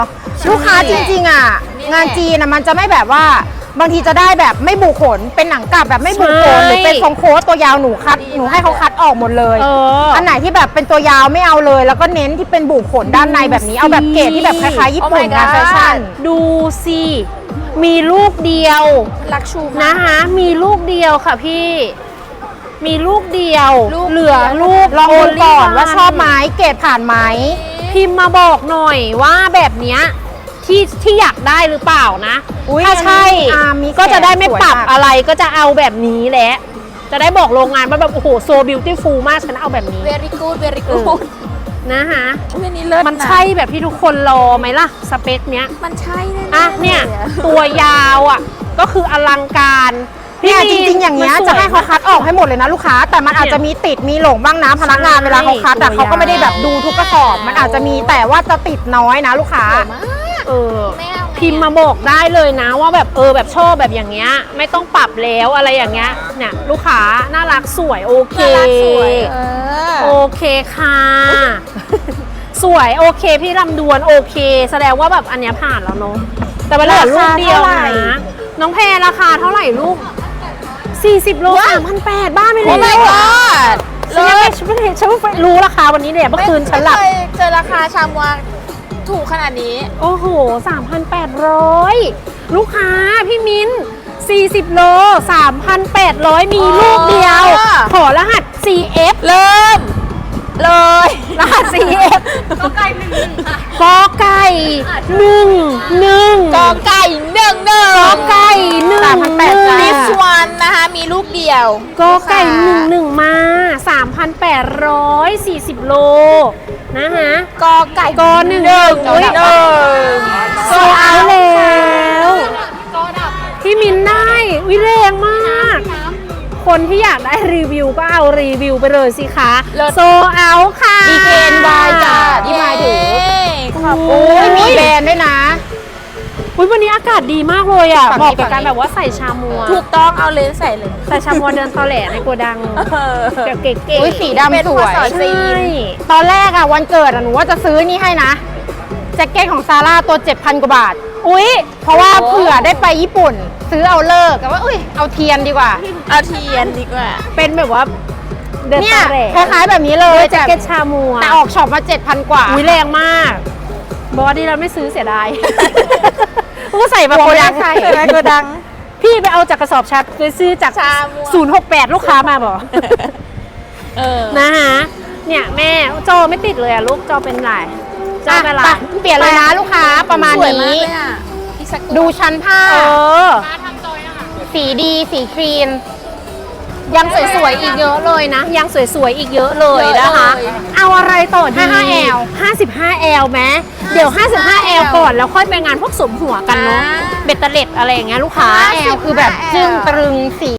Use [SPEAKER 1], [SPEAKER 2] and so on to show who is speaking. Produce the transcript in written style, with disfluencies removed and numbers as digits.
[SPEAKER 1] ลูกค้าจริงๆอ่ะงานจีนนะมันจะไม่แบบว่าบางทีจะได้แบบไม่บุขนเป็นหนังกลับแบบไม่บุขนหรือเป็นทรงโค้ทตัวยาวหนูให้เขาคัดออกหมดเลยอันไหนที่แบบเป็นตัวยาวไม่เอาเลย แล้วก็เน้นที่เป็นบุขนด้านในแบบนี้เอาแบบเกรดที่แบบคล้ายๆญี่ปุ่นนะแฟชั่น
[SPEAKER 2] ดูสิมีลูกเดียว
[SPEAKER 3] ลักชู
[SPEAKER 2] นะคะมีลูกเดียวค่ะพี่มีลูกเดียวเหลือลูก
[SPEAKER 1] ลองดูก่อนว่าชอบไหมเกรดผ่านไหม
[SPEAKER 2] พิมพ์มาบอกหน่อยว่าแบบเนี้ยที่อยากได้หรือเปล่านะถ้าใช่ก็จะได้ไม่ปรับอะไรก็จะเอาแบบนี้แหละจะได้บอกโรงงานว่าแบบโอ้โหโซบิวตี้ฟูลมากฉันเอาแบบนี้
[SPEAKER 3] very good
[SPEAKER 2] นะคะ
[SPEAKER 3] นี่เลิศ
[SPEAKER 2] มันใช่แบบที่ทุกคนรอไหมล่ะสเปคเนี้ย
[SPEAKER 3] มันใช่แน่
[SPEAKER 2] อ่ะเนี่ยตัวยาวอ่ะก็คืออลังการ
[SPEAKER 1] เนี่ยจริงๆอย่างเงี้ยจะให้เขาคัดออกให้หมดเลยนะลูกค้าแต่มันอาจจะมีติดมีหลงบ้างนะพนักงานเวลาเขาคัดแต่เขาก็ไม่ได้แบบดูทุกกระสอบมันอาจจะมีแต่ว่าจะติดน้อยนะลูกค้า
[SPEAKER 2] พิมพ์มาบอกได้เลยนะว่าแบบแบบชอบแบบอย่างเงี้ยไม่ต้องปรับแล้วอะไรอย่างเงี้ยเนี่ยลูกค้าน่ารักสวยโอเคโอเคค่ะสวยโอเคพี่ลำดวนโอเคแสดงว่าแบบอันเนี้ยผ่านแล้วเนาะแต่ว่าเหลือลูกเดียวนะน้องแพรราคาเท่าไหร่ลูก40 โล 3,800บ้านไม่เลย
[SPEAKER 3] โอ้ my god
[SPEAKER 2] ฉันรู้ราคาวันนี้เนี่ยเมื่อคืนฉันหลับ
[SPEAKER 3] เจอราคาชามวาถูกขนาดนี้
[SPEAKER 2] โอ้โห 3,800 ลูกค้าพี่มิ้น40 โล 3,800 มีลูกเดียวขอรหัส CF
[SPEAKER 3] เริ่มเลย
[SPEAKER 2] รหัส CF
[SPEAKER 3] กอไก่1ค่ะ
[SPEAKER 2] กอไก่1
[SPEAKER 3] กอไก่1
[SPEAKER 2] กอไก่1
[SPEAKER 3] this one นะคะมีลูกเดียว
[SPEAKER 2] กอไก่1มา 3,840 โลนะคะ
[SPEAKER 3] กอไก่
[SPEAKER 2] กอ1โซเอาแล้วพี่มินได้วิแรงมากคนที่อยากได้รีวิวก็เอารีวิวไปเลยสิคะโซเอาค่ะ
[SPEAKER 3] ดีเกนวายจ้ะที่มาถือ
[SPEAKER 1] โอ้ยมีแบรนด์ด้วยนะ
[SPEAKER 2] วันนี้อากาศดีมากเลยอ่ะบอกกับการแบบว่าใส่ชามัว
[SPEAKER 3] ถูกต้องเอาเลนใส่เลย
[SPEAKER 2] ใส่ชามัวเดินตอแหลในโกดังเก๋
[SPEAKER 1] ๆสีดำสวยตอนแรกอ่ะวันเกิดหนูว่าจะซื้อนี่ให้นะแจ็คเก็ตของซาร่าตัว 7,000 กว่าบาทเพราะว่าเผื่อได้ไปญี่ปุ่นซื้อเอาเลิกแต่ว่าเอาเทียนดีกว่า
[SPEAKER 2] เป็นแบบว่าเดินตอแหล
[SPEAKER 1] คล้ายๆแบบนี้เลย
[SPEAKER 2] แจ็คเก็ตชามัว
[SPEAKER 1] แต่ออกช็อปมา 7,000 กว่า
[SPEAKER 2] แรงมากบอดี้เราไม่ซื้อเสียดายก็ใส่มาโกดังพี่ไปเอาจากกระสอบชัดไปซื้อจาก068ลูกค้ามาบอกนะคะเนี่ยแม่จอไม่ติดเลยอะลูกจอเป็นไรจอเป็นไร
[SPEAKER 1] เปลี่ยนเลยนะลูกค้าประมาณนี้ดูชั้นผ้าสีดีสีครีม
[SPEAKER 2] ยังสวยๆอีกเยอะเลยนะยังสวยๆอีกเยอะเลยนะคะเอาอะไรต่อดี 55L ไหมเดี๋ยว 55L ก่อนแล้วค่อยไปงานพวกสมหัวกันเนาะเบ็ดเตล็ดอะไรอย่างเงี้ยลูกค้า
[SPEAKER 1] L คือแบบจึ้งตรึงสี